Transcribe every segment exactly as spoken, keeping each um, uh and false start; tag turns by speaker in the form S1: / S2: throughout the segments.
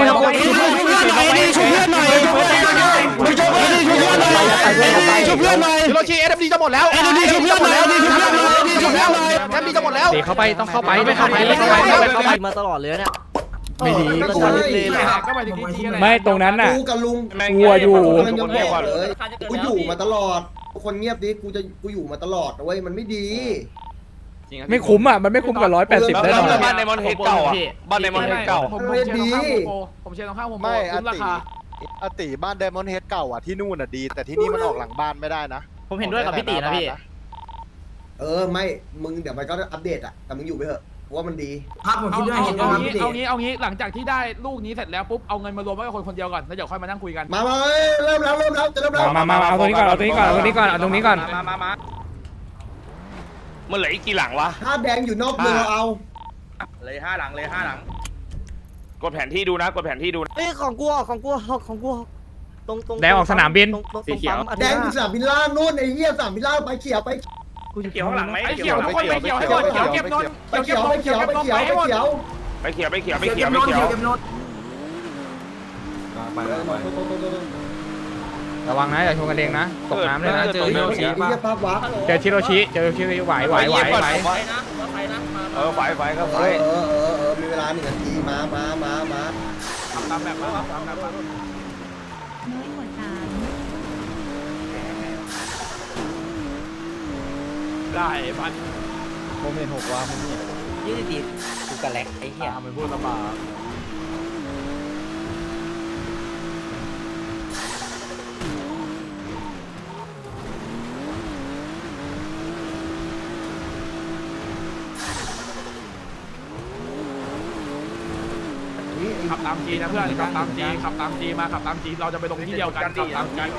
S1: ชุบเพื่อนหน่อยฮิโรชิเอ็มดีจะหมดแล้วเอ็มดีชุบเพื่อนหน่อยเอ็มดีชุบเพื่อนหน่อยเอ็มดีชุบเพื่อนหน่อยเอ็มดีจะหมดแล้ว
S2: เข้าไปต้องเข้าไปไม่เข้าไปไม่เข้าไปเข้าไป
S3: มาตลอดเลยเนี่ย
S4: ไม่ดี
S2: ไม่ตรงนั้นน่ะ
S4: กูกับลุง
S2: กลัวอยู่
S4: กูอยู่มาตลอดคนเงียบดิกูจะกูอยู่มาตลอดนะเว้ยมันไม่ดี
S2: ไม่คุ้มอ่ะมันไม่คุ้มกับร้อยแปดสิบได้หรอ
S1: บ้านในมอนเฮดเก่าอ่ะบ้านในมอนเฮดเก่า
S4: ผมไม่ดี
S1: ผมเชียร์ตรงข้ามผม
S5: ไม่อติอติบ้านไดมอนด์เฮดเก่าอ่ะที่นู่นอ่ะดีแต่ที่นี่มันออกหลังบ้านไม่ได้นะ
S3: ผมเห็นด้วยกับพี่ตีนะพี่
S4: เออไม่มึงเดี๋ยวมันก็อัปเดตอ่ะแต่มึงอยู่ไปเถอะว่ามันดี
S1: ครับผมคิดด้วยเห็นด้วยเอางี้เอางี้หลังจากที่ได้ลูกนี้เสร็จแล้วปุ๊บเอาเงินมารวมไว้กับคนคนเดียวก่อนแล้วเดี๋ยวค่อยมานั่งคุยกัน
S4: มามาเริ่มแล้วเริ่มแล้วจะเริ่มแล้ว
S2: มามาเอาตรงนี้ก่อนเอาตรงนี้ก่อนเอาตรงนี้ก่อนเอาตรงนี้ก่อน
S1: มามามามันเหลืออีกกี่หลังวะ
S4: ถ้าแดงอยู่นอกเมืองเอา
S1: เลยห้าหลังเลยห้าหลังกดแผนที่ดูนะกดแผนที่ดู
S3: เอ้ยของกูของกูของกูตรงตรง
S2: แดงออกสนามบิน
S3: สีเขียว
S4: แดงสนามบินล่างนู่นไอ้เหี้ยสนามบินล่างไปเขียวไป
S1: กูจะเขียวข้างหลังไหมไอ้เขียวทุกคนไปเขียวให้หมดเขียวเก็บนน
S4: ไปเขียวไปเขียวไปเขียวไปเขียว
S1: ไปเขียวไปเขียวไปเขียวไปเขียว
S2: ระวังนะอย่าชนกันเองนะตกน้ำเลยนะ
S4: เจอชิโรชิ
S2: เจอชิโรชิเจอชิโรชิไหวไหวไหวไหว
S1: เออไฟไฟก็ไฟ
S4: เออเออเออมีเวลาหนึ่งนาทีมามามามา
S1: ทำตามแบบมาทำตามแบบ
S6: น้อยกว่าสาม
S1: ได้พัน
S5: โมเมนต์หกว่ามึงนี่
S3: ยี่สิบตีกูกระแลกไอ้เหี้ย
S1: มันพูดลำบากขับตามจีนะเพื่อนขับตามจีขับตามจีมาขับตามจีเราจะไปลงที่เดียวกันขับตามจี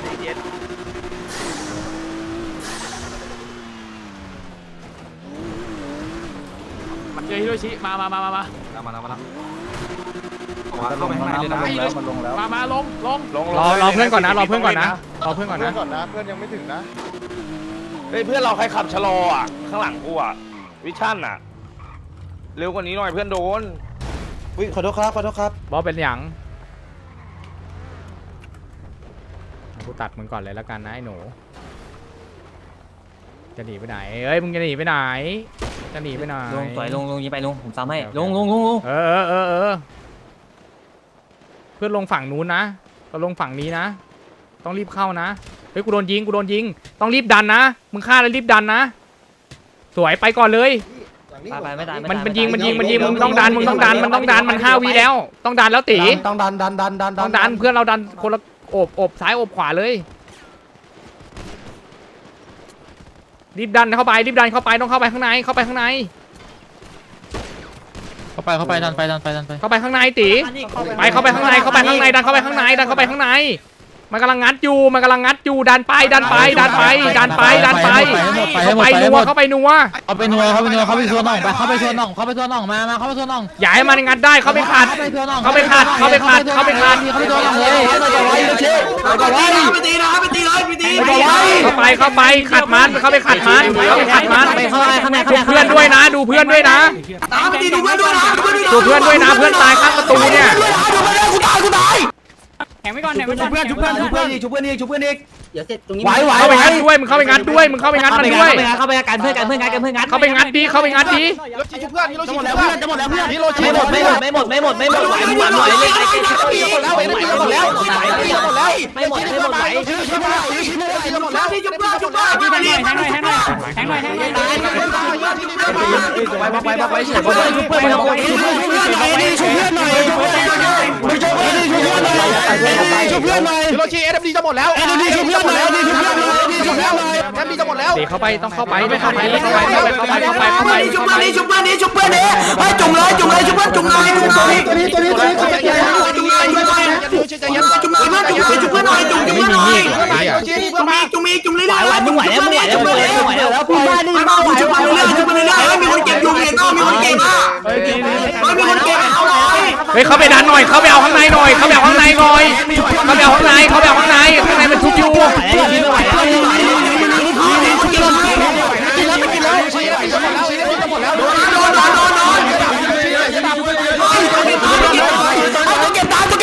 S1: มันเจอฮิโรชิมามามามามา
S5: มาแล้วมาแล้ว
S1: ลงไปข้างในเลยนะ
S5: มันลงแล้ว
S1: มามาลงลงลง
S2: รอรอเพื่อนก่อนนะรอเพื่อนก่อนนะรอเพื่อนก่อนนะ
S5: ก่อนนะเพื่อนยังไม่ถึงนะ
S1: เฮ้ยเพื่อนเราใครขับชะลออ่ะข้างหลังกูอ่ะวิชั่นอ่ะเร็วกว่านี้หน่อยเพื่อนโดน
S5: อุ้ยขอโทษครับขอโทษครับ
S2: บอสเป็นหยังกูตัดมึงก่อนเลยแล้วกันนะไอ้หนูจะหนีไปไหนเอ้ยมึงจะหนีไปไหนจะหนีไปไหน
S3: ลงต่อยลงลงยิงไปลงผมซ้ำให้ลงลงลงลง
S2: เออเออเออเพื่อนลงฝั่งนู้นนะเราลงฝั่งนี้นะต้องรีบเข้านะเฮ้ยกูโดนยิงกูโดนยิงต้องรีบดันนะมึงฆ่าแล้วรีบดันนะสวยไปก่อนเลยมันมันยิงมันยิงมันยิงมึงต้องดันมึงต้องดันมันต้องดันมันห้าวิแล้วต้องดันแล้วตี
S5: ต้องดันดันดันดัน
S2: ต้องดันเพื่อนเราดันคนละโอบโอบซ้ายโอบขวาเลยรีบดันเข้าไปรีบดันเข้าไปต้องเข้าไปข้างในเข้าไปข้างใน
S5: เข้าไปเข้าไปดันไปดันไปดันไป
S2: เข้าไปข้างในตีไปเข้าไปข้างในเข้าไปข้างในดันเข้าไปข้างในดันเข้าไปข้างในมันกำลังงัดอยู่มันกำลังงัดอยู่ดันไปดันไปดันไปดันไปดันไปเข้าไปนัวเข้าไปนัว
S5: เอาไปนัวเข้าไปนัวเข้าไปชวนน่องไปเข้าไปชวนน่องเข้าไปชวนน่องมามาเข้าไปชวนน่อง
S2: อย่าให้มันงัดได้เข้าไปขัดเข้าไปขัดเข้าไปขัดเข้าไปขัด
S5: เข้าไปชวนน่องเลยเข้าไปไว้เชี่ยเข้าไปไว้ไปตีนะไปตีเลยไปตี
S2: เข้าไปเข้าไปขัดมันเข้าไปขัดมันเข้าไปขัดมันดูเพื่อนด้วยนะดูเพื่อนด้วยนะ
S1: ตามไปตีดูเพื่อนด้วยนะ
S2: ดูเพื่อนด้วยนะเพื่อนตายข้างประตูเนี่ย
S1: กูตายกูตาย
S6: แข่งไว้ก่อนแข่งไว้ก่อน
S1: เพื่อนชุบเพื่อนชุบเพื่อนอีกชุบเพื่อนอีกชุบเพื่อนอีก
S3: เดี๋ยวเสร็จตรงนี้
S2: ไหวไหวเข้าไปงัดด้วยมึงเข้าไปงัดด้วยมึงเข้าไปงัดมันด้วย
S3: เข้าไปกันเพื่อนกันเพื่อนกันเพื่อนกัน
S2: เข้าไปงัดดีเข้าไปงัดดี
S1: ฮิโรชิชุบเพื่อนฮิโรชิชุบเพื่อนจะหมดแล้วเพื่อนฮิโรชิ
S3: ไม่หมดไม่หมดไม่หมดไม่หมดไม่หมดไหวหวานหน่อยเลย
S1: หมดแล้วหมดแล้วหมดแล้วหมดแล้ว
S3: ไม่หมดไม่หมดไหว
S1: หมดแล้วที่ชุบเพื่อนชุบเพื่อน
S6: แทงหน่อยแทงหน่อยแทงหน่อยแทงหน่อยแทงหน่อย
S3: ไปไปไปไปเฉยไปชุบเพื่อนไปชุบเพื่อน
S1: ชุบเพื่อนหน่อยชุบเพื่อนหน่อยชุบเพื่อนหน่อยฮิโรชิเอ็มดีจะหมดแล้วเอ็มดีชุบเพื่อนหน่อยเอ็มดีชุบเพื่อนหน่อยเอ็มดีชุบเพื่อนหน่อยเอ็มดีจะหมดแล้ว
S2: เข้าไปต้องเข้าไปไม่เข้าไปไม่เข้าไปเข้าไปเข้าไปเข้าไปเข้าไป
S1: ชุบเพื่อนนี้ชุบเพื่อนนี้ชุบเพื่อนนี้ไปจุ่มเลยจุ่มเลยชุบเพื่อนจุ่มเลยจุ่มเลยตัวนี้ตัวนี้ตัวนี้ตัวนี้จุ่มเลยจุ่มเลยจุ่มเลยจุ่มเลยจุ่มเลยจุ่มเลยจุ่มเพื่อนหน่อยจุ่มจุ่มเพื่อนหน่อยจุ่มอีกจุ่มอีกจุ่มเลยได้
S3: มึงไหวแล้วมึงไหวแล้วมึงไหวแล้วมึงไหวแล้ว
S1: พี่บ้านนี่บ้านจุ่มไปเรื่อยจุ่มไปเรื่อยมีคนเก็บอยู่เห็นป่ะมีคนเก็บอ่ะเฮ้ยมีคนเก็บเอาหน่อย
S2: เฮ้ยเข้าไปดันหน่อยเข้าไปเอาข้างในหน่อยเข้าไปเอาข้างในหน่อยเข้าไปเอาข้างในเข้าไปเอาข้างในข้างในมันทุบอยู่
S1: เก็บตามเก็บ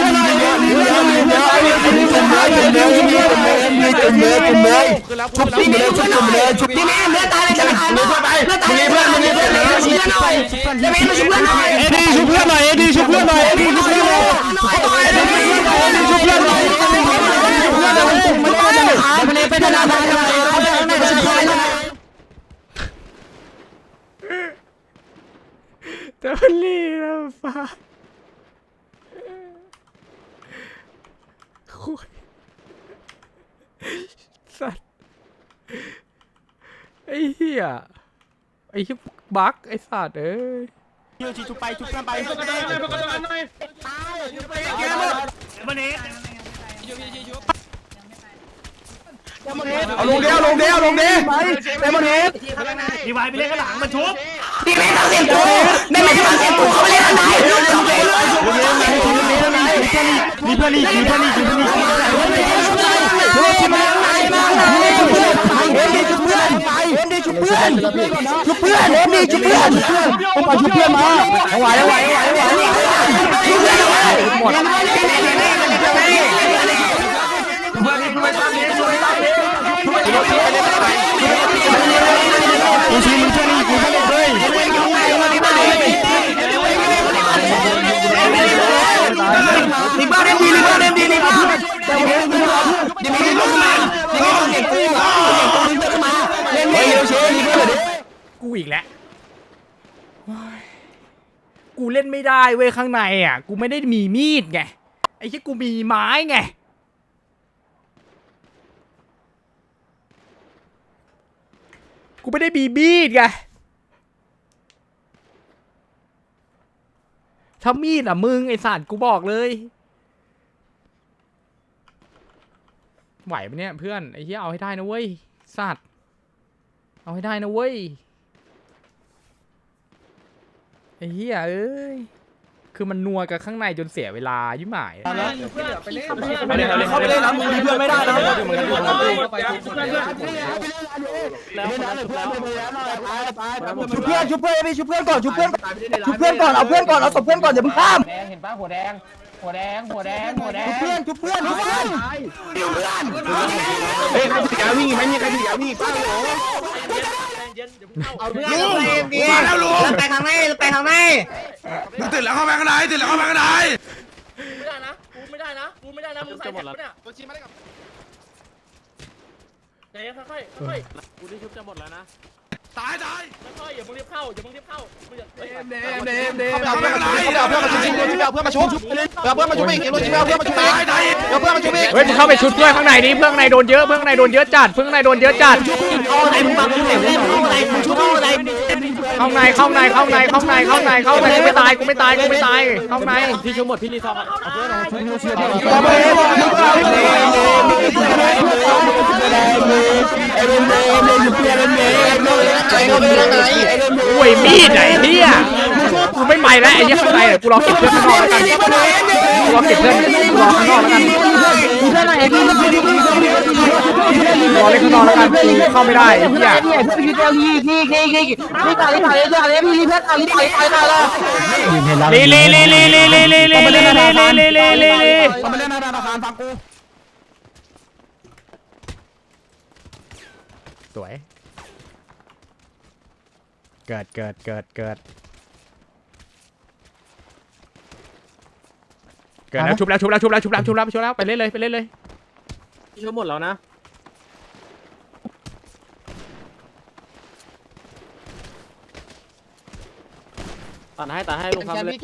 S1: ชุบที่นี่ชุบเลยชุบที่นี่เลือดตายเลยจะหายเลือดตายเลือดตายเพื่อนมึงเพื่อนเลยชุบเพื่อนหน่อยจะมีมาชุบเพื่อนหน่อยเอ็ดดี้ชุบเพื่อนหน่อยเอ็ดดี้ชุบเพื่อนหน่อยเอ็ดดี้ชุบเพื่อนหน่อยเอ็ดดี้ชุบเพื่อนหน่อยชุบเพื่อนหน่อยชุบเพื่อนหน่อยมันก็จะหายมันเลยเป็นธนาคารอะไรเขาจะเอาหน้าชุบเพื่อนหน่อย
S2: แต่มันรีแล้วฟ้าคุยสัตว์ไอ้เหี้ยไอ้เหี้ยบั๊กไอ้สัตว์เอ้ย
S7: ชุบไปชุบกันไป
S1: เอาลงเดียวลงเดียวลงเดียวไปเดมอนเฮดดีไวไปเล่นข้างหลังมันชุบดีไม่ต้องเสียงตัวไม่ไม่ต้องเสียงตัวเขาไม่เล่นอะไรลงเดียวเลย
S7: มีเพื่อนอีกมีเพื่อนอีกมีเพื่อนอีก
S1: ชุบมาไหนมาไหนชุบเพื่อนเอ็มดีชุบเพื่อนเอ็มดีชุบเพื่อนชุบเพื่อนเอ็มดีชุบเพื่อนต้องไปชุบเพื่อนมาไหวไหวไหวไหวชุบเพื่อนเลยหมด
S7: กูชี้มึงเพื่อนอีกกูเพื่อนอีกเลย
S1: ลิบ้าเอ็มดีลิบ้าเอ็มดีลิบ้าเดี๋ยวเดี๋ยวเดี๋ยวเดี๋ยวเดี๋ยวมาเดี๋ยวเดี๋ยวเดี๋ยวเดี๋ยวมาเล่นเร็วเชยลิบ้าเลย
S2: กูอีกแล้วกูเล่นไม่ได้เว้ยข้างในอ่ะกูไม่ได้มีมีดไงไอ้ที่กูมีไม้ไงกูไม่ได้มีมีดไงถ้ามีดอ่ะมึงไอ้สัตว์กูบอกเลยไหวปะเนี่ยเพื่อนไอ้เหี้ยเอาให้ได้นะเว้ยสัตว์เอาให้ได้นะเว้ยไอ้เหี้ยเอ้ยคือมันนัวกับข้างในจนเสียเวลายิ่งหมายอะ
S1: เขาไปเล่นแล้วมึงเพื่อนไม่ได้นะชุบเพื่อนชุบเพื่อนไปชุบเพื่อนก่อนชุบเพื่อนชุบเพื่อนก่อนเอาเพื่อนก่อนเอาศพเพื่อนก่อนอย่าเพิ่งข้าม
S3: เห็นปะหัวแดงหัวแดงหัวแดงหัวแดง
S1: ชุบเพื่อนชุบเพื่อนชุบเพื่อน
S7: เฮ้ยใครถือยาวิ่งไม่มีใครถือยาวิ่งป้าโห
S1: เอาเพื่อนมาแล้วลุงไปข้างในไปข้างใน
S8: มึงตื่นแล้วเข้าไปข้างในตื่นแล้วเข้าไปข้างใน
S3: ไม่ได้นะกูไม่ได้นะกูไม่ได้นะมึงใส่แท็กปะเนี่ยตัวชี้มาได้กับใจเย็นค่อยๆค่อยๆกูได้ชุบจะหมดแล้วนะ
S8: ตายตาย
S3: ค่อยๆอย่ามึงรีบเข้าอย่ามึงรีบเข้ามึงอย่า
S1: เดมเดมเดมเดม
S8: เข้าไปข้างใน
S1: เอาเพื่อนมาชุบเอาเพื่อนมาชุบเอาเพื่อนมาชุบอีกเอาเพื่อนมาชุบอีก
S8: ตายตาย
S1: เอาเพื่อนมาชุบอีก
S2: เฮ้ยมึงเข้าไปชุดเพื่อนข้างในดิเพื่อนข้างในโดนเยอะเพื่อนข้างในโดนเยอะจัดเพื่อนข้างในโดนเยอะจัด
S1: เอาอะไรมึงบังมึงเล่นเอาอะไรมึงชุบเอาอะไร
S2: เข้าในเข้าในเข้าในเข้าในเข้าในเข้าในกูไม่ตายกูไม่ตายกูไม่ตายเข้าใน
S3: พี่ชุบหมดพี่รีซอมเอาเพื่อน
S1: เอาไปเอาไปเอาไป
S2: โอ้ยมีดไหนเฮียกูไม่ไปแล้วไอ้เหี้ยข้างในกูรอเก็บเพื่อนข้างนอกแล้วกันกูรอเก็บเพื่อนกูรอข้างนอกแล้วกันรอเล่นข้างนอกแล้วกันกูเข้าไม่ได้ไอ้เหี้ยลีลีลีลีลีลีลีลีลีลีลีลีลีลีลี
S7: เอามาเล่นหน้าธนาคารฟังกู
S2: สวยเกิดเกิดเกิดเกิดเกิดแล้วชุบแล้วชุบแล้วชุบแล้วชุบแล้วชุบแล้วชุบแล้วไปเล่นเลยไปเล่นเลย
S3: ชุบหมดแล้วนะตัดให้ตัดให้ลงครับเลย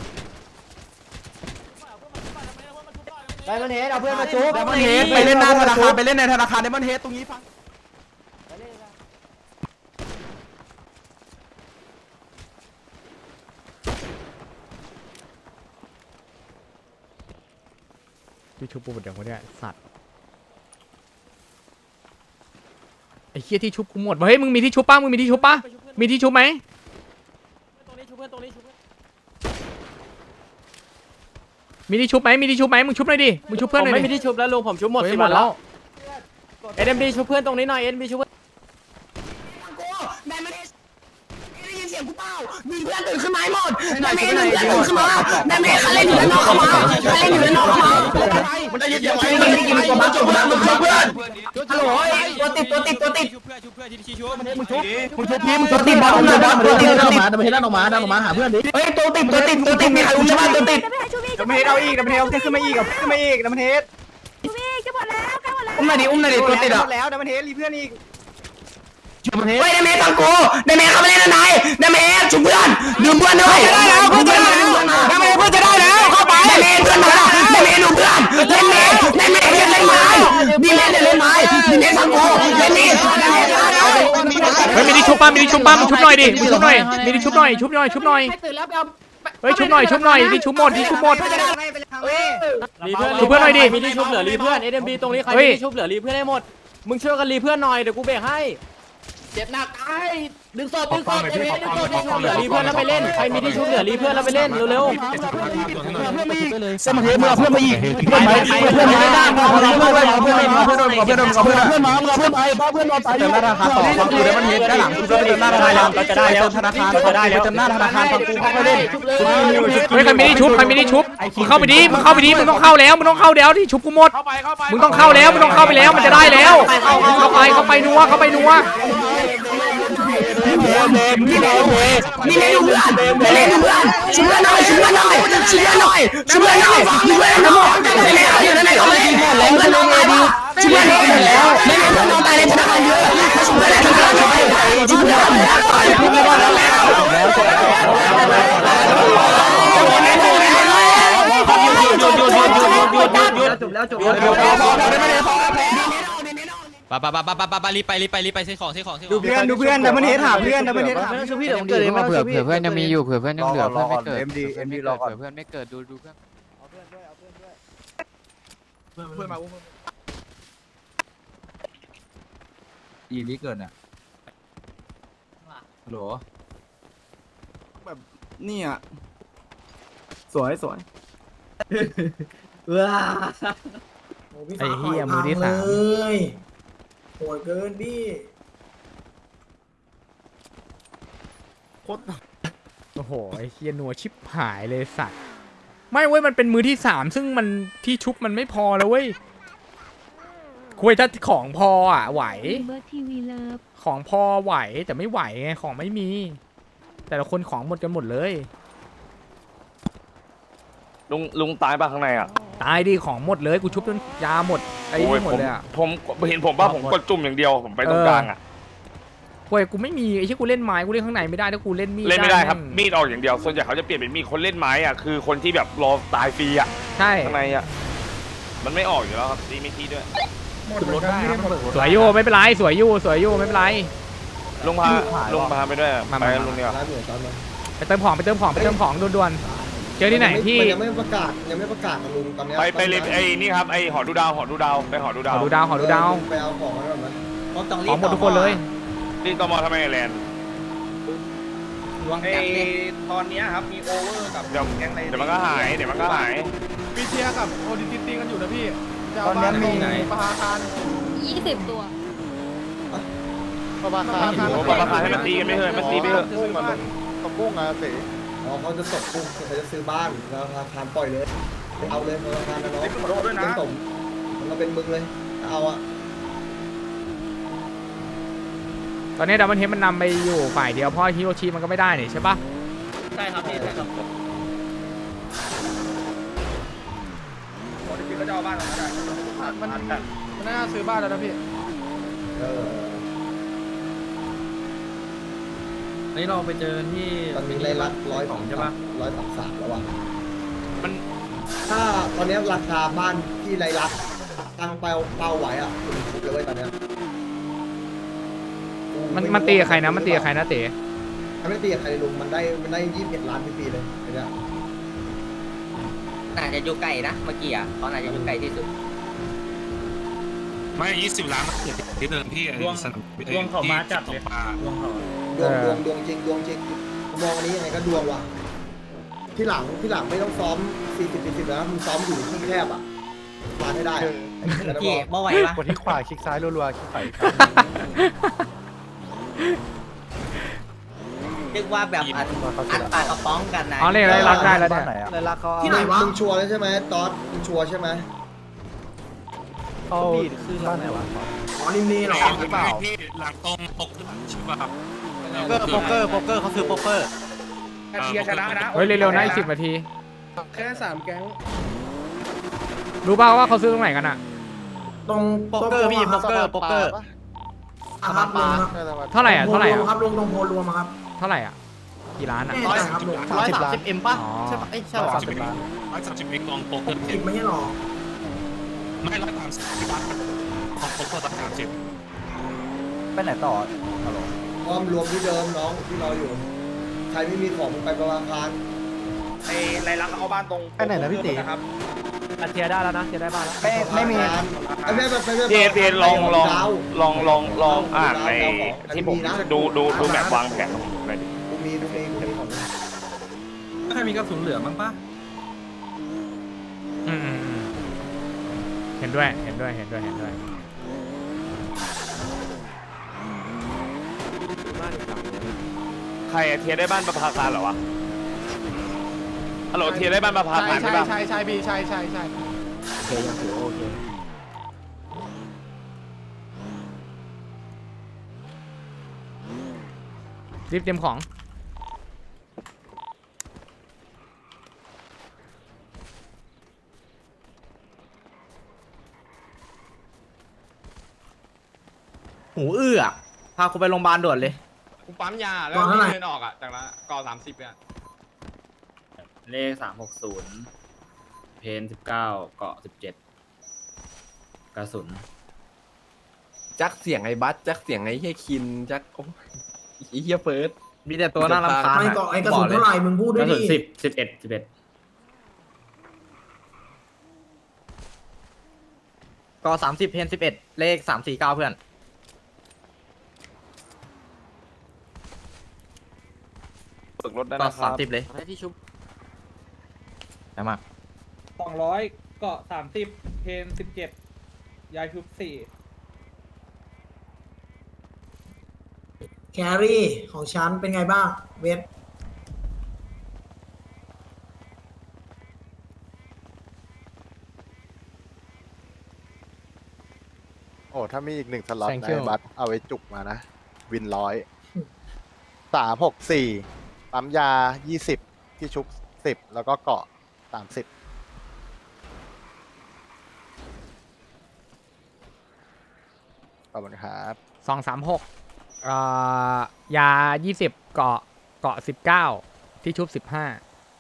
S4: ไปมันเห็นเอาเพื่อนมาชุบ
S7: เดมอนเฮดไปเล่นหน้าธนาคารไปเล่นในธนาคารเดมอนเฮดตรงนี้ฟัง
S2: ที่ชุบปูหมดอย่างวะเนี่ยสัตว์ไอ้เคี้ยที่ชุบกูหมดเฮ้ยมึงมีที่ชุบป่ะมึงมีที่ชุบป่ะมีที่ชุบไหม
S3: ตรงนี้ชุบเพื่อนตรงนี้ชุบเพื่อน
S2: มีที่ชุบไหมมีที่ชุบไหมมึงชุบหน่อยดิมึงชุบเพื่อนหน่อย
S3: ไม่
S2: ดิ
S3: มีที่ชุบแล้วลุงผมชุบหมด
S2: เฮ้ย
S3: สิ
S2: หมดแล้ว
S3: เอ็มดีชุบเพื่อนตรงนี้หน่อยเอ็มดีชุบเพื่อน
S1: แม่ไม่ได้ได้ยินเสียงกูเปล่ามีเพื่อนตื่นขึ้นมาหมดแม่ไม่ได้เพื่อนตื่นขึ้นมาแม่ไม่ใครเล่นอยู่ด้านนอกเข้ามาใครเล่นอยู่ด้านนอกเข้ามามันได้ยินเสียงไม่ได้กินตัวบ้าตัวบ้ามึงชุบเพื่อนฮัลโหลตัวติดตัวติดตัวติด
S7: มึงชุบมึงชุบพี่มึงชุ
S1: ตัว
S7: บ
S1: ติดบอลตัวติดตัวติดตัวติด
S7: ดันมาเฮดดันออกมาดันออกมาหาเพื่อนดิ
S1: เฮ้ยตัวติดตัวติดตัวติดมีใครอุ้มใช่ไหมตัวติด
S7: ดันมาเฮดเอาอีกดันมาเฮดเอาขึ้นมาอีกขึ้นมาอีกดันมาเฮด
S1: อุ้มหน่อยดิอุ้มหน่อยดิตัวติดอ่ะ
S7: แล้วดันมาเฮดรีเพื่อนอีก
S1: เฮ้ยได้เมย์ฟังกูได้เมย์เข้ามาเล่นอะไรได้เมย์ชุบเพื่อนดื่มเพื่อนด้วยได้แล้วเพื่อนจะได้แล้วได้เมย์เพื่อนจะได้แล้วเข้าไปได้เมย์เพื่อนมาได้เมย์ดูเพื่อนเล่นเมย์เล่นเมย์เล่นไม้ดีเมย์เล่นไม้ดีเมย์ฟังกูเล่นนี่
S2: เฮ้ยมีที่ชุบป่ะมีที่ชุบป่ะมึงชุบหน่อยดิมึงชุบหน่อยมีที่ชุบหน่อยชุบหน่อยชุบหน่อยเฮ้ยชุบหน่อยชุบหน่อยที่ชุบหมดที่ชุบหมด
S3: รีเพื่อน
S2: ชุบเพื่อนหน่อยดิ
S3: มีที่ชุบเหลือรีเพื่อนเอ็มดีตรงนี้ใคร
S2: เฮ้
S3: มี
S2: ย
S3: ที่ชุบเหลือรีเพื่อนให้หมดมึงช่วยกันรีเพื่อนหน่อยเดี๋ยวกูเบรกให้เจ็บหนักตายดึงศพดึงศพเอ็มดีดึงศพดึงศพเหลือรีเพื่อนแล้วไปเล่นใครมีที่ชุบเหลือรีเพื่อนแล้วไปเล่นเร็ว
S7: เส้นมาเฮดมึงเอาเพื่อนมาอีกเพื่อนมาเพื่อนมาได้เพื่อนมาเพื่อนมาเพื่อนมาเพื่อนมาเพื่อนมาเพื่อนมาเพื่อนมาเพื่อนมาเพื่อนมาไปเติมหน้าธนาคารต่อฟังกูเดมอนเฮดด้านหลังกูจะไปเติมหน้าธนาคารเราจะได้แล้วธนาคารจะได้แล้วเติมหน้าธนาคารฟังกูเขาไปเล่น
S2: เฮ้ยใครมีที่ชุบใครมีที่ชุบมึงเข้าไปดิมึงเข้าไปดิมึงต้องเข้าแล้วมึงต้องเข้าแล้วที่ชุบกูหมดมึงต้องเข้าแล้วมึงต้องเข้าไปแล้วมันจะได้แล้วเข้าไปเข้าไปนัวเข้าไปนัว
S1: นี่เมย์ดูเพื่อนเล่นดูเพื่อนชุบเพื่อนหน่อยชุบเพื่อนหน่อยชุบเพื่อนหน่อยชุบเพื่อนหน่อยชุบเพื่อนหน่อยเมย์อยู่ในไหนเขาเลยเพื่อนน้องตายดิชุบเพื่อนหน่อยแล้วเมย์เพื่อนน้องตายในธนาคารเยอะชุบเพื่อนชุบเพื่อนหน่อยชุบเพื่อนหน่อยชุบเพื่อนหน่อยจบแล้วจบแล้ว
S9: ปะปะปะปะปะปะปะรีบไปรีบไปรีบไปซื้อของซื้อของซื้อข
S7: ดู
S9: อง
S7: เพื่อนดูเพื่อนดับเบิลเฮดหาเพื่อนดับเบิลเฮดหา
S6: เผื่อเผื่อเพื่อนยังมีอยู่เผื่อเพื่อนยังเหลือเพื่อนไม่เกิด
S5: เอ็มดีเอ็มดีรอก่อน
S6: เผื่อเพื่อนไม่เกิดดูดูเพื่อน
S7: เพื่อนมาอุ้ม
S8: อีนี้เกินอ่ะฮัลโหล
S7: แบบนี่อ่ะสวยสวย
S1: ว้า
S2: ไอ้เหี้ยมือที่สาม
S1: โหดเกินพี่
S2: โอ้โหไอ้เหี้ยนัวชิบหายเลยสัตว์ไม่เว้ยมันเป็นมือที่สามซึ่งมันที่ชุบมันไม่พอแล้วเว้ยคุยถ้าของพออ่ะไหว
S6: เบอร์ทีวีเลิฟ
S2: ของพอไหวแต่ไม่ไหวไงของไม่มี แต่ละคนของหมดกันหมดเลย
S10: ลุงลุงตายป่ะข้างในอ่ะ
S2: ตายดิของหมดเลยกูชุบจนยาหมดไอ้นี่หมดเลยอ่ะ
S10: ผมผมเห็นผมป่ะผมกดจุ่มอย่างเดียวผมไปตรงกลางอ่ะ
S2: เว้ยกูไม่มีไอ้ที่กูเล่นไม้กูเล่นข้างในไม่ได้ถ้ากูเล่นมีด
S10: เล่นไม่ได้ครับ
S2: แง
S10: มีดออกอย่างเดียวส่วนใหญ่เขาจะเปลี่ยนเป็นมีดคนเล่นไม้อ่ะคือคนที่แบบรอตายฟรีอ่ะ
S2: ใช่
S10: ข้างในอ่ะมันไม่ออกอยู่แล้วครับตีไม่ทีด้วย
S8: รถได้มันเบิกรถ
S2: สวยอยู่ไม่เป็นไรสวยอยู่สวยอยู่ไม่เป็นไร
S10: ลุงพาลุงพาไปด้วย
S2: มา
S10: ไป
S2: มา
S10: กับลุงเดียว
S4: ร้านเหนือตอนนั้น
S2: ไปเติมของไปเติมของไปเติมของด่วนๆเจอที่ไหนที่
S4: มันยังไม่ประกาศยังไม่ประกาศกับลุงตอนนี้
S10: ไปไปเลยไอ้นี่ครับไอ้หอดูดาวหอดูดาวไปหอดู
S2: ข
S10: ดาว
S2: อดูดาวขอดูดาว
S4: ไปเอาของมาก่อนนะ
S2: ของหมดทุกคนเลย
S10: นี่ตมทำไมแลนด์
S3: ดวงจันทร์เลยตอนนี้ครับมีโอเวอร์กับ
S10: เดี๋ยว
S3: แก๊งใน
S10: เดี๋ยวมันก็หายเดี๋ยวมันก็หาย
S7: ปีเทียกับโอดิติตีกันอยู่นะพี่
S5: ตอนนี้มีไหน
S7: ปะคาร
S11: ยี่สิบตัว
S5: ประมาณ
S10: โอ้ประมาณให้มันตีกันไม่เถอะมันตีไม่เถอะ
S5: กุ้งมันตะกุ้งอะเส
S4: อ๋อเขาจะตกกุ้งเขาจะซื้อบ้านแล้วธนาคารปล่อยเลยเอาเลยธนาคารนะน้อง
S3: ขอโทษด้วยนะ
S4: เป็นสมมันก็เป็นมึงเลยเอาอะ
S2: ตอนนี้ดับเบิลเฮดมันนำไปอยู่ฝ่ายเดียวเพราะฮิโรชิมันก็ไม่ได้นี่ใช่ปะ
S3: ใช่ครับพี่ใช่ครับคนที่ก็จะเอาบ้านเราได้
S7: มันมันน่าซื้อบ้านแล้วนะพี่
S4: เออ
S3: นี่เราไปเจอที่
S4: ตอนนี้ได้รักร้อย
S3: ของใช่ปะ
S4: ร้อยสามสามแล้วอะ
S10: มัน
S4: ถ้าตอนนี้ราคาบ้านที่ไรรักตั้งเป้าเป้าไว้อะคุณคิดเลยเว้ยตอนเนี้ย
S2: มันมันตีกับใครนะมันตีกับใครนะเต๋
S4: มันไม่ตีกับใครลุงมันได้มันได้ยี่สิบเอ็ดล้านปีๆเลยไอ้เนี่ย
S3: น่าจะอยู่ไกลนะเมื่อกี้อ่ะเขาน่าจะอยู่ไกลที่สุด
S8: ไม่ยี่สิบล้านที่เดิมพี่
S3: ดวงดวงเขามาจัดเลยดวงเขา
S4: ดวงดวงดวงจริงดวงจริงมองอันนี้ยังไงก็ดวงว่ะที่หลังที่หลังไม่ต้องซ้อมสี่สิบสี่สิบแล้วมึงซ้อมอยู่ที่แคบอ่ะมาให้ได้อะ
S3: พี่เมื่อไหร่วะ
S5: กดที่ขวาคลิกซ้ายรัวๆคลิกไป
S3: เรียกว่าแบบอัดอัดปากกระป๋องกันนะ
S2: อ๋อเรียกได้รักได้แล้วเนี่ย
S5: เลยรักเขา
S4: ที่ไหนวะมึงชัวร์แล้วใช่ไหมตอสมึงชัวร์ใช่ไหม
S5: เขาคือบ้านไหนวะ
S4: อ๋อนิมนีหรอ
S5: หรือเปล่า
S8: พี่หลังตรงปกใช่ป่ะครับ
S3: โป๊กเกอร์โป๊กเกอร์โป๊กเกอร์เขาคือโป๊กเกอร์
S10: เชียร์ชนะนะ
S2: เฮ้ยเร็วๆนะอีกสิบนาที
S7: แค่สามแก๊ง
S2: รู้ป่าวว่าเขาซื้อตรงไหนกันอะ
S4: ตรง
S3: โป๊กเกอร์พี่โป๊กเกอร์โป๊กเกอร์
S4: อาครับลุงครับ
S2: เท่าไหร่อะเท่าไหร่อะ
S4: ครับลุงตรงโพรวมครับ
S2: เท่าไหร่อะกี่ล้านอะ
S4: ร้อยครับลุง
S3: ร้อยสามสิบเอ็มป่ะ
S2: อ๋อ
S3: ใช่ป่ะเอ้ยใช่ป่ะ
S8: สามสิบล้านร้อยสามสิบเอ็กลองโป๊กเกอร์
S4: สิบไม่ใช่หรอ
S8: ไม่ร้อยสามสิบล้านของโป๊กเกอร์ร้อยสามสิบ
S5: ไปไหนต่อ
S4: พร้อมรวมที่เดิมน้องที่เราอยู่ใครไม่มีของมึงไปประมาณพัน
S3: ไอ้ไรลักเอาบ้านตรง
S5: ไปไหนนะพี่ตี
S3: นะครับ
S7: เทียได้แล้วนะเทียได้บ้านแล้ว
S5: ไม่ไม่มี
S4: ไอ้แม่แบบไปแม่
S10: พี่พี่ลองลองลองลองลองอ่านในที่ผมดูดูดูแบบวางแผนของผมหน่อยดิ
S4: กูมีกูมีกูมีของ
S8: ใครมีกระสุนเหลือมั้งป่ะ
S2: อืมอืมอืมเห็นด้วยเห็นด้วยเห็นด้วยเห็นด้วย
S10: ใครอะเทียร์ได้บ้านประภาคารเหรอวะฮัลโหลเทียร์ได้บ้านประภา
S7: ใช่
S10: คารใช่
S7: ใช่
S10: ปะ
S7: ใช่ใช่พี่ใช่ใช่ใช่
S2: โอเคยังถือว่าโอเครีบเตรียมของ
S3: หูอื้อพากูไปโรงพยาบาลด่วนเลย
S9: กูปั๊มยาแล้วเดินออกอ่ะจากละก่อสามสิบอ่ะ
S3: เลขสามหกศูนย์เพนสิบเก้าเกาะสิบเจ็ดกระสุน
S7: จักเสียงไอ้บัสจักเสียงไอ้เฮียคินจักโอ้ยเฮียเฟิร์ส
S3: มีแต่ตัวน่ารำคาญ
S4: ไม่เกาะไอ้กระสุนเท่าไหร่มึงพูดด้วย
S3: กระสุ
S4: ดิ
S3: นสิบสิบเอ็ดสิบเอ็ดเกาะสามสิบเพนสิบเอ็ดเลขสามสี่เก้าเพื่อน
S10: ฝึกรถได้
S3: เกาะ
S10: นะค
S3: สา
S10: รั
S3: ม
S10: บ
S3: สิบเลยที่ชุบได้มาก
S7: สองร้อยเกาะสามสิบเพนสิบเจ็ดยายชุบสี่
S1: แครี่ของฉันเป็นไงบ้างเวท
S5: โอ้ถ้ามีอีกหนึ่งสล็อต
S2: Thank
S5: ใน
S2: you
S5: บัตเอาไว้จุกมานะ วินร้อยสามหกสี่ปั๊มยายี่สิบที่ชุบสิบแล้วก็เกาะสามสิบขอบคุณครับ
S2: สองสามหกเอ่อยายี่สิบเกาะเกาะสิบเก้าที่ชุบสิบห้า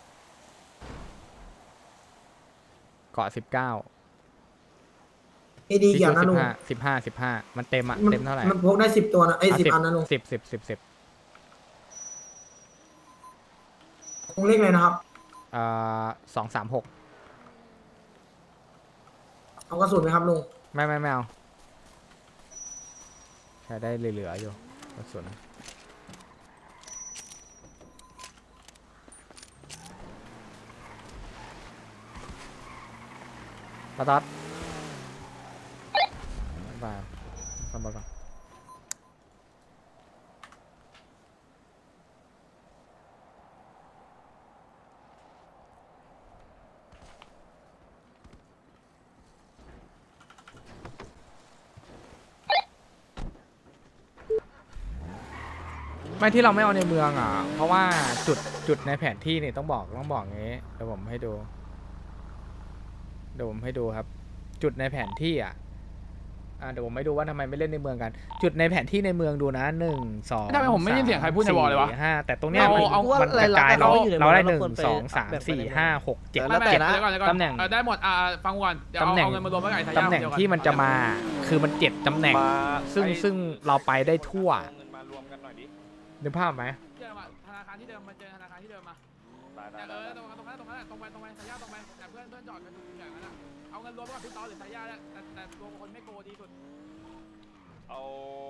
S2: เกาะสิบเก้า
S1: เอดี
S2: ที่
S1: เกี่ยว
S2: ชุบ
S1: นะ
S2: สิ
S1: ลุ
S2: บ
S1: ง
S2: ห้าสิบห้าสิบห้ามันเต็มอะเต็มเท่าไหร่
S1: มันพกได้สิบตัวนะไอ้สิบอันนะลุง
S2: สิบสิบสิบสิบ
S1: ลุงเลขเลยนะครับ
S2: เอ่อสองสามหก
S1: เอากระสุนไหมครับลุง
S2: ไม่ไม่ไม่เอาใช้ได้เหลือๆอยู่กระสุนปะต๊อดไปทำไปก่อนไม่ที่เราไม่เอาในเมืองอ่ะเพราะว่าจุดจุดในแผนที่นี่ต้องบอกต้องบอกงี้เดี๋ยวผมให้ดูเดี๋ยวผมให้ดูครับ จุดในแผนที่อ่ะอ่าเดี๋ยวผมไม่ดูว่าทำไมไม่เล่นในเมืองกัน จุดในแผนที่ในเมืองดูนะหนึ่งสอง
S7: ทำไมผมไม่ได้ยินเสียงใครพูดในวอลเลยวะ
S2: ห้าแต่ตรงเนี้ยมัน
S7: เอาเอา
S2: มันกระจายเรา
S3: เอาอยู่ในเมือง
S2: เราได้
S3: เรา
S2: หนึ่ง
S3: ควรไป
S2: สองสามสี่ห้าหกเจ็ด
S3: แล้วแต่
S2: เจ็ด
S3: นะ
S2: ตำแหน่ง
S7: ได้หมดอ่าฟังก่อนเดี๋ยว
S2: ตำ
S7: เอา
S2: แหน่ง
S7: เอาเงินมารวมไว้กับไอ้ทายาท
S2: ตำแหน่งที่มันจะมาคือมันเจ็ดตำแหน่ง
S10: มา
S2: ซึ่ง
S10: ไอ้
S2: ซึ่งเราไปได้ทั่ว
S10: เอาเงินมารวมกันหน่อยดิ
S2: นึกภาพไหม
S7: เจอมาธนาคารที่เดิมมาเจอธนาคารที่เดิมมา
S10: ได้ได้
S7: เอ
S10: ได้
S7: อตรงนั้นตรงนั้นตรงนั้นตรงไปตรงไปทายาทตรงไปแต่เพื่อนเพื่อนจอดกันอย่างนั้นอ่ะเอาเงินรวมกับพี่ต๊อดหรือทายาทแต่แต่รวมคนไม่โกดีสุด
S10: เอา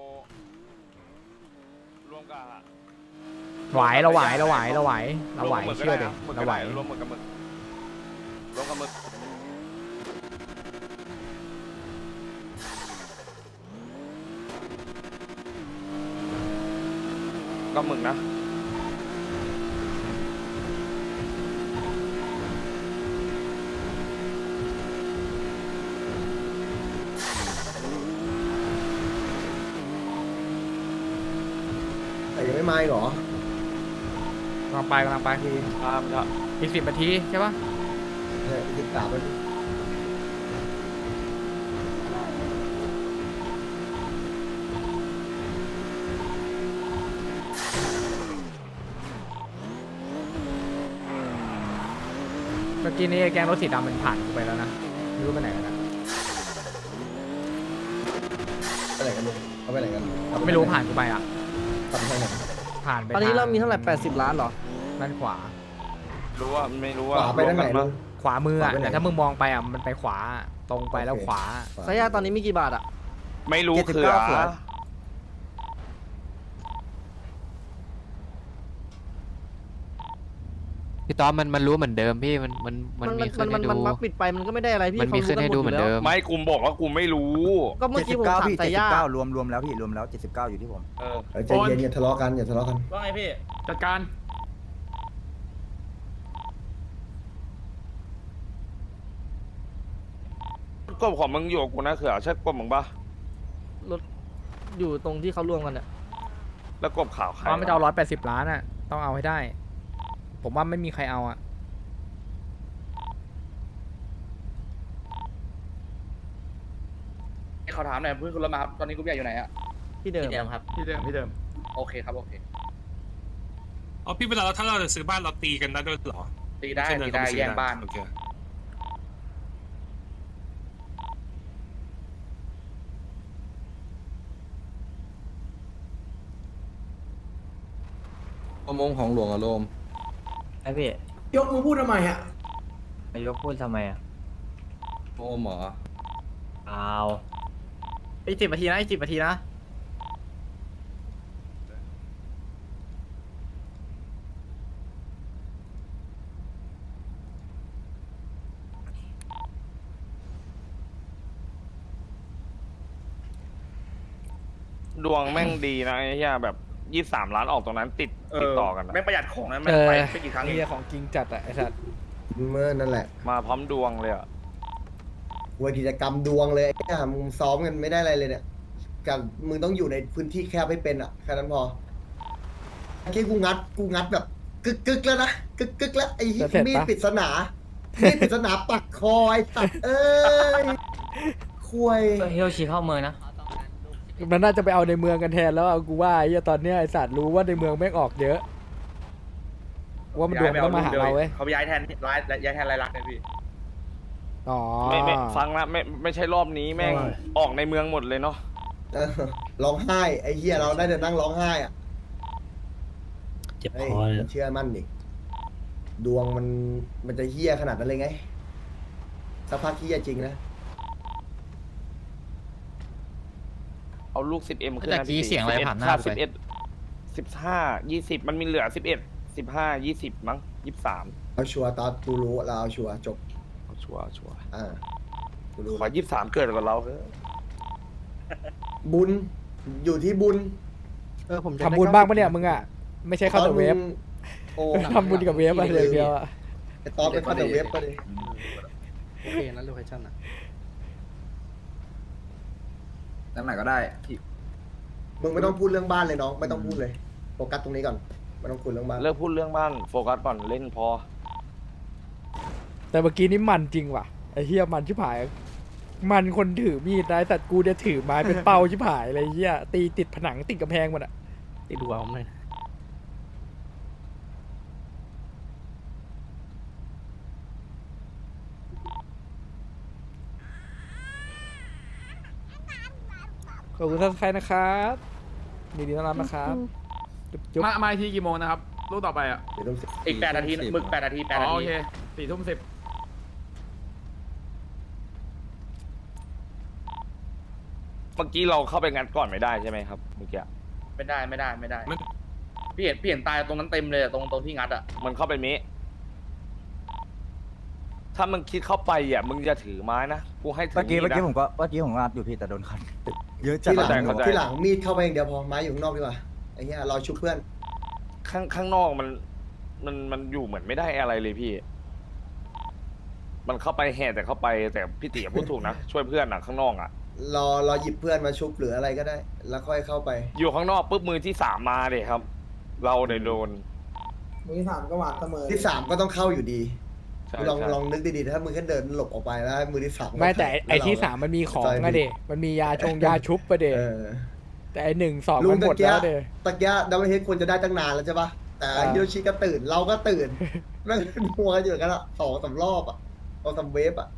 S10: รวมกับ
S2: ไหวเราไหวเราไหวเราไหวเราไหว
S10: รวมกับ
S2: เชื่อ
S10: ห
S2: ดิ
S10: มึกก็
S2: เราไหว
S10: ได้รวมหมึกกับหมึกรวมกับหมึกก็หมึกนะ
S4: แต่ยังไม่มาอีกเหรอก
S2: ำลังไปกำลังไปคือ
S10: ตามครับ
S2: อีกสิบนาทีใช่ปะ
S4: เนี่ยติดตามไปดิ
S2: เมื่อกี้นี้แกงรถสีดำมันผ่านกูไปแล้วนะไม่รู้ไปไหนกันนะ
S4: ไปไหนกันลุงเขาไปไหนกัน
S2: ไม่รู้ผ่านกูไปอ่ะ
S4: ทำทางไหน
S2: ผ่านไป
S3: ตอนนี้เรามี
S2: ท
S3: เท่าไหร่แปดสิบล้านเหรอ
S2: ด้านขวา
S10: รู้ว่าไม่รู้
S4: ข
S10: ว่าว
S4: าไปทางไหน
S10: รวมกั
S4: ลุ
S10: ปะ
S4: ง
S2: ขวามืออ่ะ
S4: ขวาไปไหน
S2: แต่ถ้ามึงมองไปอ่ะมันไปขวาตรงไปแล้ว
S4: โอเค
S2: ขวา
S3: ทายาทตอนนี้มีกี่บาทอ่ะ
S10: ไม่รู้
S3: เจ็ดสิบ
S10: คือ
S3: เก้าขวด
S6: พี่ต๊อบมันมันรู้เหมือนเดิมพี่มันมันมันมีขึ้
S3: มัน น
S6: ให้
S3: มัน
S6: ดู
S3: มันมักปิดไปมันก็ไม่ได้อะไรพี่
S6: มันมีขึ้นให้ดูเหมือนเดิม
S10: ไม่กูบอกว่ากูไม่รู้
S3: ก็เมื่อกี้ผมถามทายาท
S7: รวมรวมแล้วพี่รวมแล้วเจ็ดสิบเก้าอยู่ที่ผม
S10: เออ
S4: เออใจเย็นอย่าทะเลาะกันอย่าทะเลาะกัน
S3: ว่าไงพี่
S7: จัดการ
S10: กบของมึงอยู่กับกูนะเขือใช่กบมึงปะ
S3: รถอยู่ตรงที่เขารวมกันเนี่ย
S10: แล้วกบขาวใคร
S2: ว่าไม่จะเอาร้อยแปดสิบล้านอ่ะต้องเอาให้ได้ ผมว่าไม่มีใครเอาอ่ะ
S7: เขาถามหน่อยเพื่อนคุณรถมาครับตอนนี้กูใหญ่อยู่ไหนอ่ะ
S3: ที่เดิมครับ
S7: ที่เดิมที่เดิม
S3: โอเคครับโอเค
S8: อ๋อพี่เวลาเราถ้าเราจะซื้อบ้านเราตีกันได้ด้วยเหรอ
S7: ตีได้
S8: ม่ใช่เน
S7: ตี
S8: เข้
S7: ได้
S8: ปซื้อ
S7: แย่งบ้าน
S8: โอเค
S7: ประมงของหลวงอะโลม
S3: ไอพี่
S4: ยกมือพูดทำไมอ่ะ
S3: นายกพูดทำไมอ่ะ
S7: โอมเหรอ
S3: อ้าวอีกสิบนาทีนะอีกสิบนาทีนะ
S10: ดวงแม่งดีนะไอ้เหี้ยแบบยี่สิบสามล้านออกตรงนั้นติดติดต่อกันนะ
S7: ไม่ประหยัดของนะ
S2: เออ
S7: ไปกี่ครั้ง
S2: เฮียของจริงจัดอ่ะไอ้สัตว์
S4: เมื่อนั่นแหละ
S10: มาพร้อมดวงเลยอ่ะ
S4: เวยกิจกรรมดวงเลยไอ้เนี่ยมึงซ้อมกันไม่ได้อะไรเลยเนี่ยกับมึงต้องอยู่ในพื้นที่แคบให้เป็นอ่ะแค่นั้นพอเมื่อกี้กูงัดกูงัดแบบกึกกึกแล้วนะกึกกึกแล้วไอ้เหี้ยมีดปริศนามีดปริศนาปักคอไอ้สัตว์เอ้ยคุย
S3: เฮลชีเข้าเมืองนะ
S2: มันน่าจะไปเอาในเมืองกันแทนแล้วอะกูว่าไอ้เหี้ยตอนเนี้ยไอ้สัตว์รู้ว่าในเมืองแม่งออกเยอะว่ามันดวงต้องมาหาเราเว้ย
S7: เขาย้ายแทนร้ายย้ายแทนรายลักษณ์เลยพี่
S2: อ๋อ
S10: ไม่ไม่ฟังนะไม่ไม่ใช่รอบนี้แม่งออกในเมืองหมดเลยเนาะ
S4: เออร้องไห้ไอ้เหี้ยเราได้แต่นั่งร้องไห้อ่ะ
S3: เจ็บ
S4: เฮ้ย
S3: คอเลย
S4: เชื่อมั่นดิดวงมันมันจะเหี้ยขนาดนั้นเลยไงสักพักเหี้ยจริงนะ
S10: เอาลูกสิบเอ็มขึ้น
S6: แต่
S10: นะ
S6: กี้
S10: พี่
S6: เสียงอะไรผ่านหน้า
S10: ค่า
S6: ไป
S10: สิบเอ็ดสิบห้ายี่สิบมันมีเหลือสิบเอ็ดสิบห้ายี่สิบมั้งยี่สิบสาม
S4: เอาชัวร์ตอนตูรู้เราเอาชัวร์จบ
S10: ชัวร์ชัวร์
S4: อ่ากูรู้
S10: ขอยี่สิบสามเกิดกับเราเถอะ
S4: บุญอยู่ที่บุญ
S7: เออผม
S2: ทำบุญบ้างปะเนี่ยมึงอ่ะไม่ใช่เข้าแต่เวฟ
S4: โอ้
S2: ทำบุญกับเวฟอะไรอย่างเดียวอะ
S4: ไอ้ตอนเป็นเข้าแต่เวฟปะดิ
S7: โอเคนั้นโลเคชั่นอ่ะ
S1: ตั้งไหนก็ได้
S4: มึงไม่ต้องพูดเรื่องบ้านเลยน้องไม่ต้องพูดเลยโฟกัสตรงนี้ก่อนไม่ต้องคุยเรื่องบ้าน
S10: เลิกพูดเรื่องบ้านโฟกัสก่อนเล่นพอ
S2: แต่เมื่อกี้นี่มันจริงว่ะไอ้เฮียมันชิบหาย มันคนถือมีดนะแต่กูเนี่ยถือไม้เป็นเป้าชิบหายเลยเฮียตีติดผนังติดกำแพงหมดอ่ะ
S7: ติดดูเอาผมหน่อย
S2: ขอบคุณท่านใครนะครับมีดีต้อนรับนะครับจุ๊บจุ๊บ
S7: มามาทีกี่โมงนะครับลูกต่อไปอ่ะ
S4: เดี๋ยวต้องเสีย
S3: อีกแปดนาทีมึกแปดนาทีแปด
S7: อ๋
S3: นา
S7: อโอ
S3: ที
S7: เคสี่ทุ่มสิบ
S10: เมื่อกี้เราเข้าไปงัดก่อนไม่ได้ใช่ไหมครับเมื่อกี้
S3: ไม่ได้ไม่ได้ไม่ได้พี่เห็นพี่เห็นตายตรงนั้นเต็มเลยอะตรงตรงที่งัดอ่ะ
S10: มันเข้าไปมิถ้ามึงคิดเข้าไปอ่ะมึงจะถือไม้นะกูให้ถือ
S1: เมื่อกี้เมื่อกี้
S10: ดนะ
S1: ผมก็เมื่อกี้ผมงัดอยู่พี่แต่โดนคันเยอะจัด
S4: ที่หลัง
S10: เข้าใจ
S4: ที่หลังมีดเข้าไปอย่างเดียวพอไม้อยู่ข้างนอกดีกว่าไอ้เหี้ยเราชุบเพื่อน
S10: ข้างข้างนอกมันมันมันอยู่เหมือนไม่ได้อะไรเลยพี่ มันเข้าไปแห่แต่เข้าไปแต่พี่ติ๋พูดถูกนะ ช่วยเพื่อนอ่ะข้างนอกอ่ะ
S4: รอรอหยิบเพื่อนมาชุบหรืออะไรก็ได้ แล้วค่อยเข้าไป
S10: อยู่ข้างนอกปุ๊บมือที่สามมาเลยครับ เราเนี่ยโดน
S4: มือที่สามก็หวาดเสมอที่สามก็ต้องเข้าอยู่ดี
S10: ใช่
S4: ลอง
S10: ใช่
S4: ลองนึกดีๆถ้ามึงแค่เดินหลบออกไปแล้วมือที่สาม
S2: ไม่แต่ไอ้
S4: แล้ว
S2: ที่
S4: เรา
S2: สามมันมีของอะเดมันมียาชงยาชุบประเด
S4: เออ
S2: แต่ไอ้หนึ่งสอง
S4: ลุ
S2: มั
S4: ง
S2: นหม
S4: ตะ
S2: ด
S4: เกีย
S2: แล้วเด
S4: ตะเกียดับเบิลเฮดควรจะได้ตั้งนานแล้วใช่ปะแต่
S2: อ่า
S4: ฮิโรชิก็ตื่นเราก็ตื่นแม่งเป็นมัวกันอยู่กันละสองสามรอบอ่ะสองสามเวฟอ่ะ